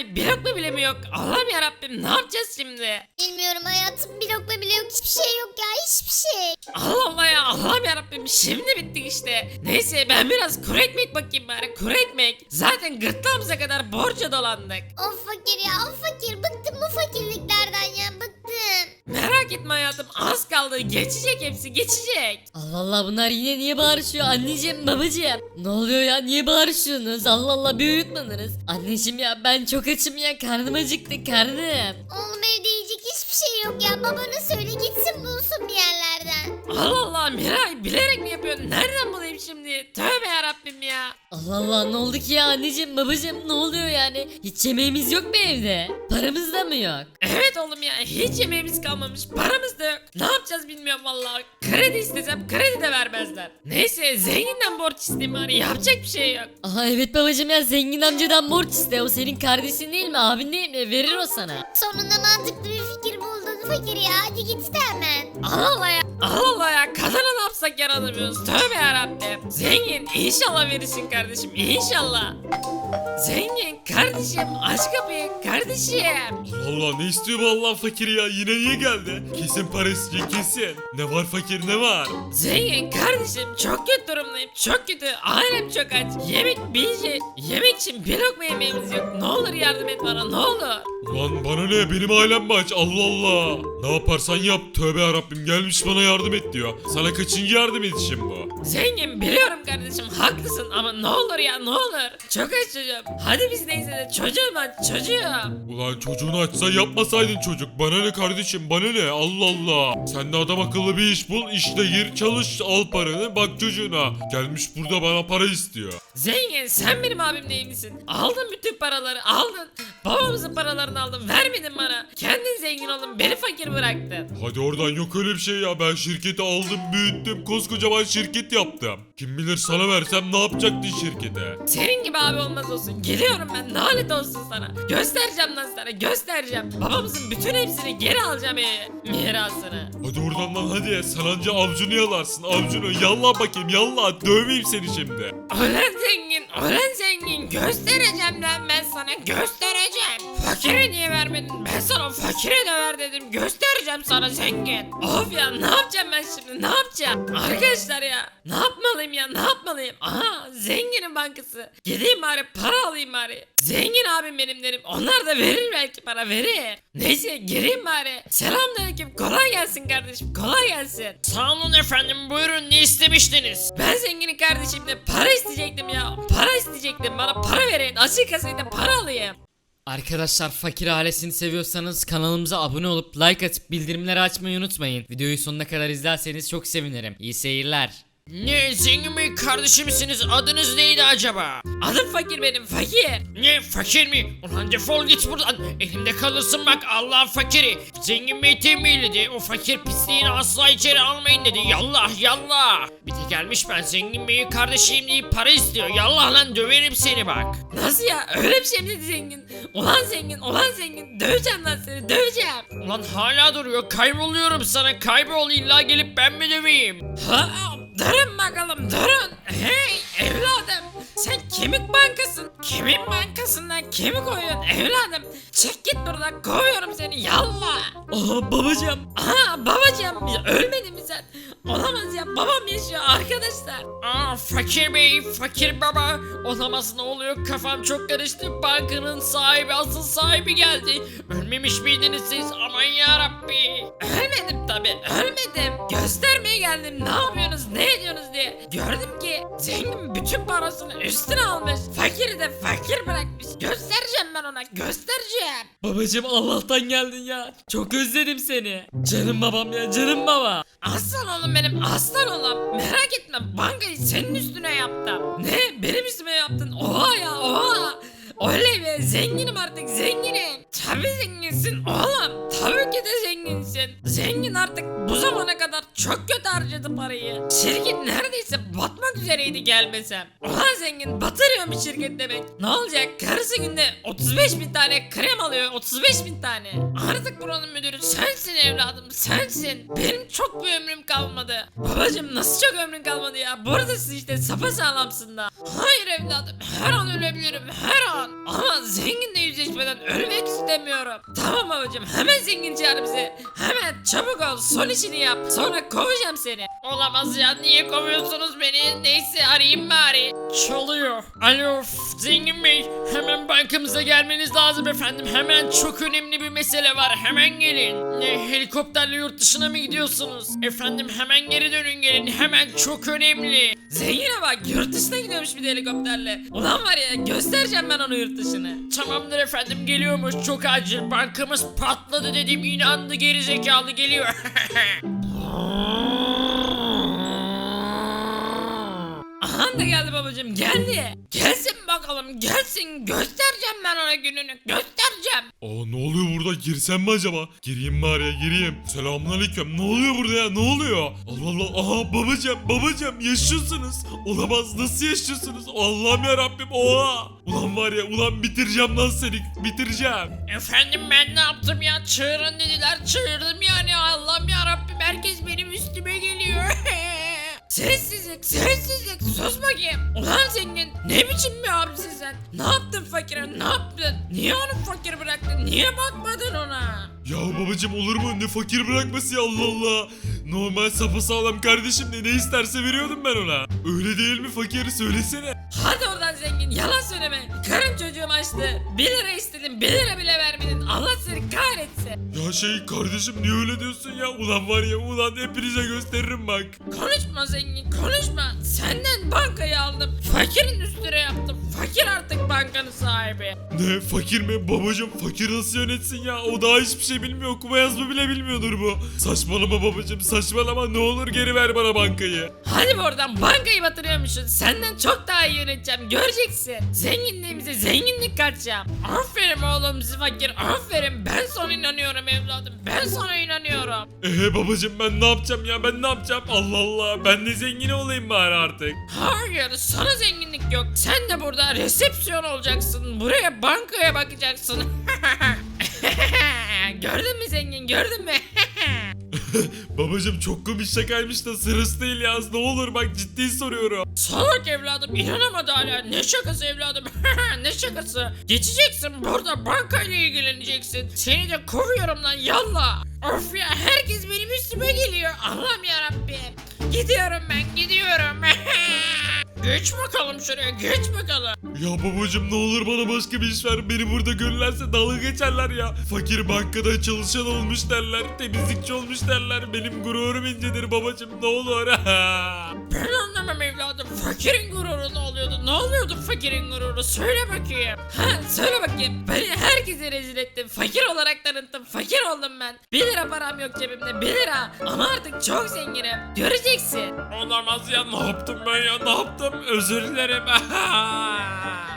Miray, bir lokma bile mi yok? Allah'ım yarabbim, ne yapacağız şimdi? Bilmiyorum hayatım, bir lokma bile yok, hiçbir şey yok ya, hiçbir şey. Allah Allah ya, Allah'ım yarabbim, şimdi bittik işte. Neyse ben biraz kuru ekmek bakayım bari, kuru ekmek. Zaten gırtlağımıza kadar borca dolandık. Of fakir ya, of fakir, bıktım bu fakirliklerden ya, bıktım. Merak etme hayatım, az kaldı, geçecek, hepsi geçecek. Allah Allah, bunlar yine niye bağırışıyor anneciğim babacığım? Ne oluyor ya, niye bağırışıyorsunuz? Allah Allah, bir uyutmadınız. Anneciğim ya, ben çok açım ya, karnım acıktı, karnım. Oğlum evde yiyecek hiçbir şey yok ya, babana söyle gitsin bulsun bir yerlerden. Allah Allah Miray, bilerek mi yapıyorsun? Nereden bulayım şimdi? Tövbe yarabbim ya. Allah Allah, ne oldu ki ya anneciğim babacığım, ne oluyor yani? Hiç yemeğimiz yok mu evde? Paramız da mı yok? Evet oğlum ya, hiç yemeğimiz kalmamış, paramız da yok. Ne yapacağız bilmiyorum vallahi. Kredi istesem kredi de vermezler. Neyse zenginden borç isteyeyim bari, yapacak bir şey yok. Aha evet babacığım ya, zengin amcadan borç iste, o senin kardeşin değil mi, abin değil mi, verir o sana. Sonunda mantıklı bir fikir buldun fakir ya, hadi git de hemen. Allah Allah ya, Allah Allah ya, kadına ne yapsak yaranamıyoruz. Tövbe yarabbim. Zengin, inşallah verirsin kardeşim, inşallah. Zengin kardeşim, aç kapıyı kardeşim. Allah Allah, ne istiyor bu Allah fakir ya, yine niye geldi? Kesin para isteyecek, kesin. Ne var fakir, ne var? Zengin kardeşim, çok kötü durumdayım, çok kötü. Ailem çok aç. Yemek yemek için bir lokma yemeğimiz yok. Ne olur yardım et bana, ne olur. Ulan bana ne, benim ailem mi aç? Allah Allah. Ne yaparsan yap, tövbe yarabbim, gelmiş bana yardım et diyor. Sana kaçıncı yardım edişim bu? Zengin biliyorum kardeşim, haklısın ama ne olur ya, ne olur. Çok aç çocuğum. Hadi biz neyse de çocuğum aç, çocuğum. Ulan çocuğunu açsa yapmasaydın çocuk. Bana ne kardeşim, bana ne? Allah Allah. Sen de adam akıllı bir iş bul, işte gir çalış, al paranı, bak çocuğuna. Gelmiş burada bana para istiyor. Zengin sen benim abim değil misin? Aldın bütün paraları, aldın. Babamızın paralarını aldın, vermedin bana. Kendin zengin oldun, beni fakir bıraktın. Hadi oradan, yok öyle bir şey ya. Ben şirketi aldım, büyüttüm, koskocaman şirket yaptım. Kim bilir sana versem ne yapacaktın şirkete? Senin gibi abi olmaz olsun. Geliyorum ben, lanet olsun sana. Göstereceğim lan sana, göstereceğim. Babamızın bütün hepsini geri alacağım mirasını. Hadi oradan lan, hadi. Sen anca avcunu yalarsın, avcunu. Yallah bakayım, yallah. Dövmeyeyim seni şimdi. Ulan zengin, ulan zengin. Göstereceğim lan ben sana, göstereceğim. Fakire niye vermedin? Ben sana fakire de ver dedim. Göstereceğim sana zengin. Of ya, ne yapacağım ben şimdi, ne yapacağım? Arkadaşlar ya, ne yapmalıyım ya, ne yapmalıyım? Aha, zenginin bankası. Gideyim bari para alayım bari. Zengin abim benim derim. Onlar da verir, belki para verir. Neyse gireyim bari. Selamünaleyküm. Kolay gelsin kardeşim. Kolay gelsin. Sağ olun efendim. Buyurun, ne istemiştiniz? Ben zenginin kardeşimle para isteyecektim ya. Para isteyecektim. Bana para verin. Açık kasayla para alayım. Arkadaşlar, fakir ailesini seviyorsanız kanalımıza abone olup like atıp bildirimleri açmayı unutmayın. Videoyu sonuna kadar izlerseniz çok sevinirim. İyi seyirler. Ne, zengin bey kardeşimsiniz, adınız neydi acaba? Adım fakir benim, fakir. Ne, fakir mi? Ulan defol git buradan, elimde kalırsın bak, Allah'ın fakiri. Zengin bey tembihledi, o fakir pisliğini asla içeri almayın dedi. Yallah yallah. Bir de gelmiş ben zengin beyin kardeşiyim deyip para istiyor. Yallah lan, döverim seni bak. Nasıl ya, öyle bir şey mi dedi zengin? Ulan zengin, ulan zengin, döveceğim lan seni, döveceğim. Ulan hala duruyor, kayboluyorum sana, kaybol, illa gelip ben mi döveyim? Ha? Durun bakalım, durun. Hey evladım, sen kemik bankasın. Kimin bankasından kemik koyuyorsun evladım? Çık git buradan, kovuyorum seni, yallah. Aha babacığım. Aha babacığım, ya ölmedin mi sen? Olamaz ya, babam yaşıyor arkadaşlar. Aa fakir bey, fakir baba. Olamaz, ne oluyor, kafam çok karıştı. Bankanın sahibi, asıl sahibi geldi. Ölmemiş miydiniz siz? Aman yarabbi. Ölmedim tabi, ölmedim. Göstermeye geldim, ne yapıyorsunuz, ne ediyorsunuz diye. Gördüm ki zengin bütün parasını üstüne almış. Fakiri de fakir bırakmış. Göstereceğim ben ona, göstereceğim. Babacığım, Allah'tan geldin ya. Çok özledim seni. Canım babam ya, canım baba. Aslan oğlum benim, aslan oğlum. Merak etme, bankayı senin üstüne yaptım. Ne, benim üstüme yaptın? Oha ya, oha. Oley be, zenginim artık, zenginim. Tabii zenginsin oğlum, tabii ki de zenginsin. Zengin artık bu zamana kadar çok kötü harcadı parayı. Şirket neredeyse batmak üzere gereydi gelmesem. Ulan zengin batırıyor bir şirket demek. Ne olacak? Karısı günde 35.000 tane krem alıyor. 35.000 tane. Artık buranın müdürü sensin evladım, sensin. Benim çok bir ömrüm kalmadı. Babacım nasıl çok ömrün kalmadı ya? Buradasın işte, sapasağlamsın da. Hayır evladım, her an ölebilirim, her an. Ama zenginle yüzleşmeden ölmek istemiyorum. Tamam babacım, hemen zengin çağır bizi. Hemen çabuk ol, son işini yap. Sonra kovacağım seni. Olamaz ya, niye kovuyorsunuz beni? Neyse arayayım bari. Çalıyor. Alo zengin bey, hemen bankamıza gelmeniz lazım efendim. Hemen çok önemli bir mesele var, hemen gelin. Ne, helikopterle yurt dışına mı gidiyorsunuz? Efendim hemen geri dönün, gelin, hemen çok önemli. Zengine bak, yurt dışına gidiyormuş bir de helikopterle. Ulan var ya, göstereceğim ben onu yurt dışını. Tamamdır efendim, geliyormuş, çok acil, bankamız patladı dedim, inandı, geri zekalı geliyor. Aha da geldi babacım, geldi. Gelsin bakalım, gelsin, göstereceğim ben ona gününü, göstereceğim. Aa ne oluyor burada? Girsem mi acaba? Gireyim bari ya, gireyim. Selamünaleyküm. Ne oluyor burada ya? Ne oluyor? Allah Allah. Aha babacım yaşıyorsunuz. Olamaz, nasıl yaşıyorsunuz? Allah'ım ya Rabbim. Oha. Ulan var ya, ulan bitireceğim lan seni. Bitireceğim. Efendim ben ne yaptım ya? Çığırın dediler, çığırdım yani. Allah'ım ya Rabbim, herkes benim üstüme geliyor. Sessizlik, sessizlik, sus bakayım. Ulan zengin, ne biçim bir abisin sen? Ne yaptın fakire, ne yaptın? Niye onu fakir bıraktın, niye bakmadın ona? Ya babacım olur mu? Ne fakir bırakması ya, Allah Allah. Normal sapasağlam kardeşim de ne isterse veriyordum ben ona. Öyle değil mi fakir? Söylesene. Hadi oradan zengin, yalan söyleme. Karım çocuğum açtı. 1 lira istedim, 1 lira bile vermedin. Allah seni kahretsin. Ya şey kardeşim, niye öyle diyorsun ya? Ulan var ya, ulan hepinize gösteririm bak. Konuşma zengin, konuşma. Senden bankayı aldım. Fakirin üstüne yaptım. Fakir artık bankanın sahibi. Ne fakir mi? Babacım fakir nasıl yönetsin ya? O daha hiçbir şey bilmiyor. Okuma yazma bile bilmiyordur bu. Saçmalama babacım, saçmalama, ne olur geri ver bana bankayı. Hadi be oradan, bankayı batırıyormuşsun. Senden çok daha iyi yöneteceğim, göreceksin. Zenginliğimize zenginlik katacağım. Aferin oğlum fakir, aferin. Ben sana inanıyorum evladım, ben sana inanıyorum. Babacım ben ne yapacağım ya, ben ne yapacağım? Allah Allah, ben de zengin olayım bari artık. Hayır, sana zenginlik yok. Sen de burada resepsiyon olacaksın. Buraya, bankaya bakacaksın. Gördün mü zengin, gördün mü? Babacım çok komik şakaymış da sırası değil ya, ne olur bak, ciddi soruyorum. Salak evladım, inanamadı hala. Ne şakası evladım? Ne şakası? Geçeceksin burada, bankayla ilgileneceksin. Seni de kovuyorum lan, yallah. Of ya, herkes benim üstüme geliyor. Allah'ım yarabbim. Gidiyorum ben, gidiyorum. Geç bakalım şuraya, geç bakalım. Ya babacım ne olur bana başka bir iş ver, beni burada görürlerse dalga geçerler ya. Fakir bankada çalışan olmuş derler, temizlikçi olmuş derler, benim gururum incedir babacım, ne olur. Ben anlamam evladım. Fakirin gururu ne oluyordu? Ne oluyordu fakirin gururu? Söyle bakayım. Ha, söyle bakayım. Beni herkese rezil ettin. Fakir olarak tanıttım. Fakir oldum ben. 1 lira param yok cebimde. 1 lira. Ama artık çok zenginim. Göreceksin. Olamaz ya, ne yaptım ben ya, ne yaptım? Özür dilerim.